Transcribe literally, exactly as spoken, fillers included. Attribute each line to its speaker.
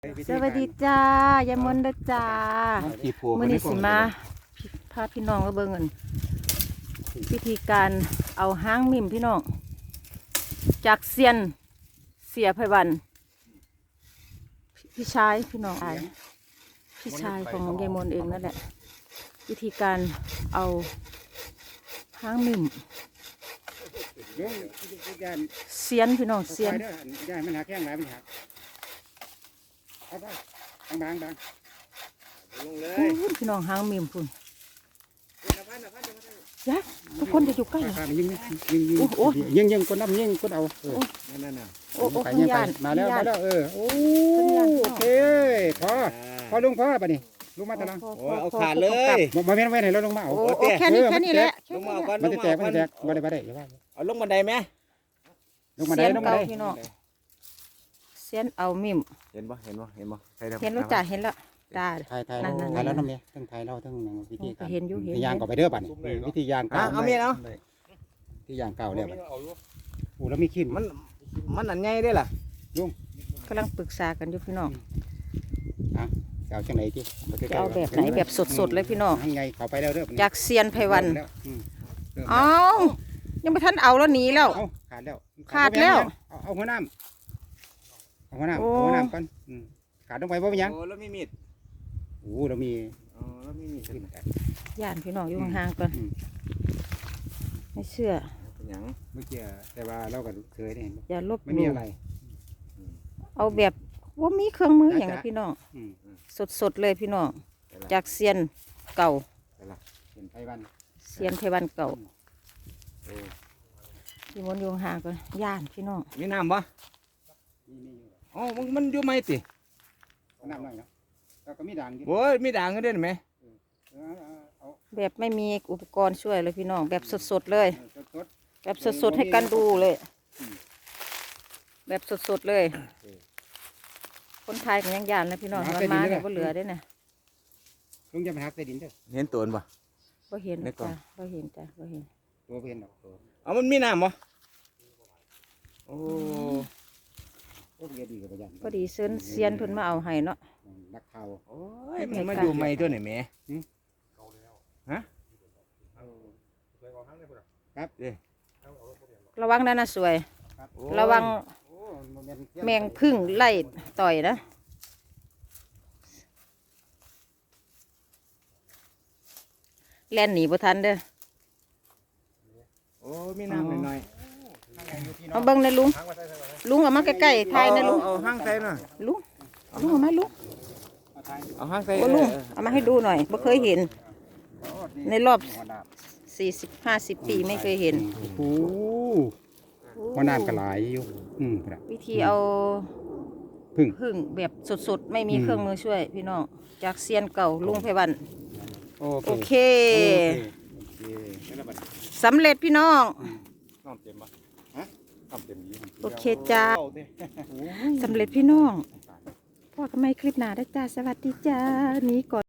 Speaker 1: สวัสดีจ้ายายมนต์เด้อจ้ามื้อนี้สิมาพาพี่น้องมาเบิ่งกันวิธีการเอาหางมิ่มพี่น้องจากเซียนเสียไพวันพี่ชายพี่น้องพี่ชายของยายมนต์เองนั่นแหละวิธีการเอาหางมิ่มเซียนพี่น้องเซียน
Speaker 2: ย่ายมันหักแข้งหลายมันหักเอาไปบางบางลงเลย
Speaker 1: พี่น้องหางมิ่มพุ่นยะทุกคนจะอยู่ใกล้
Speaker 2: ยิงยิงยิงยิงยิงคนน้ำยิงคนเอาเออนั่นน่ะ
Speaker 1: โอ้โอ้
Speaker 2: ไปยิงไปมาแล้วมาแล้วเออโอ้โอเคพอพอลุงพอป่ะนี่ลุงมาตะลัง
Speaker 3: เอาขาดเลย
Speaker 2: มาเว้นไว้ไหนแล้วลุงมาเอา
Speaker 1: แค่นี้แค่นี้แหละ
Speaker 3: ลงมาเอาก่อน
Speaker 2: มันจะแตกมันจะแตกมาได้มาได้อย่าว่า
Speaker 3: เอาลงบันไดไหม
Speaker 2: ลงมาได้ลงมาได้
Speaker 1: พี่น้องเซียนเอามิ่ม
Speaker 3: เห็นปะเห็นปะเห็นปะ
Speaker 1: เห็นแล้วจ้าเห็นแล้วจ้า
Speaker 2: ไทยไทยไทยแล้วน้ำเนี่ยทั้งไทยเราทั้งวิธีการ
Speaker 1: เห็นอยู่เห็น
Speaker 2: ยางก็ไปเด้อป่ะนี่วิธียางเก่า
Speaker 3: เอาเมียเอา
Speaker 2: ที่ยางเก่าเนี่ยโอ้แล้วมีขี้
Speaker 3: มันมันอันใหญ่ได้ล่ะ
Speaker 2: ลุง
Speaker 1: กำลังปรึกษากันอยู่พี่น้อง
Speaker 2: อ่ะจะเอาจังไหนจี
Speaker 1: จะเอาแบบไหนแบบสดๆเลยพี่น้อง
Speaker 2: ไงเขาไปแล้วเด้อ
Speaker 1: จากเซียนไพวันเอายังไม่ทันเอาแล้วหนีแล้ว
Speaker 2: ขาดแล้ว
Speaker 1: ขาดแล้ว
Speaker 2: เอาหัวน้ำเอาหัวน้ำเอาหัวน้ำก่อนขาดลงไปเพราะยัง
Speaker 3: โอ้แล้วมีมีด
Speaker 2: โอ้เรามี
Speaker 3: อ๋อแล้วมีมีด
Speaker 1: ย่านพี่น้องอยู่ห่างๆก่อนไม่เชื่อ
Speaker 3: อย่าง
Speaker 2: เมื่อกี้แต่ว่าเราก็เคยได้เห็น
Speaker 1: อย่าลบ
Speaker 2: ไม่มีอะไร
Speaker 1: เอาแบบว่ามีเครื่องมืออย่างไรพี่น้องสดๆเลยพี่น้องจากเซียนเก่า
Speaker 2: เซียนไพวัน
Speaker 1: เซียนไพวันเก่าพี่มนต์อยู่ห่างก่อนย่านพี่น้อง
Speaker 3: มีน้ำปะอ๋อมันมันอยู่ไหมติ
Speaker 2: น้ำหน่อยเนาะแล้วก็มีด่าง
Speaker 3: โอ้ยมีด่างก็ได้ไหม
Speaker 1: แบบไม่มีอุปกรณ์ช่วยเลยพี่น้องแบบสดๆเลยแบบสดๆให้กันดูเลยแบบสดๆเลยคนไทยกันยังยานเลยพี่น้องมันมาเนี่ยก็เหลือได้เนี่ย
Speaker 2: ลุงจะไปหักใต้ดินเด้อ
Speaker 3: เห็นตัวปะ
Speaker 1: ก็เห็นจ้ะก็เห็นจ้ะก็เห็น
Speaker 2: ตัวเห็นหรอก
Speaker 3: เอามันมีน้ำปะโอ้
Speaker 1: พอดีเซินเซียนเพิ่นมาเอาให้เนาะ
Speaker 2: นักข่าว
Speaker 3: โอ้ยมันมาอยู่ใหม่ตัวไหนแม่ฮะ
Speaker 2: ครับ
Speaker 1: ระวังนั่นนะสวยระวังแมงพึ่งไล่ต่อยนะแล่นหนีบ่ทันเด้อ
Speaker 3: โอ้มีน้ำหน่อย
Speaker 1: เอาเบิ้งนะลุงลุงเอามาใกล้ๆไทยนะลุง
Speaker 3: เอาห้างใส่หน่อย
Speaker 1: ลุงลุงเอามาลุง
Speaker 3: เอาห้างใส่
Speaker 1: โอ้ลุงเอามาให้ดูหน่อยไม่เคยเห็นในรอบสี่สิบห้าสิบปีไม่เคยเห็น
Speaker 2: โอ้ว่าน้ำกระไหลอยู่
Speaker 1: วิธีเอาพึ่งพึ่งแบบสดๆไม่มีเครื่องมือช่วยพี่น้องจากเซียนเก่าลุงไพวันโอเคสำเร็จพี่น้องโอเคจ้าสำเร็จพี่น้องพ่อทำไมคลิปหนาได้จ้าสวัสดีจ้านี้ก่อน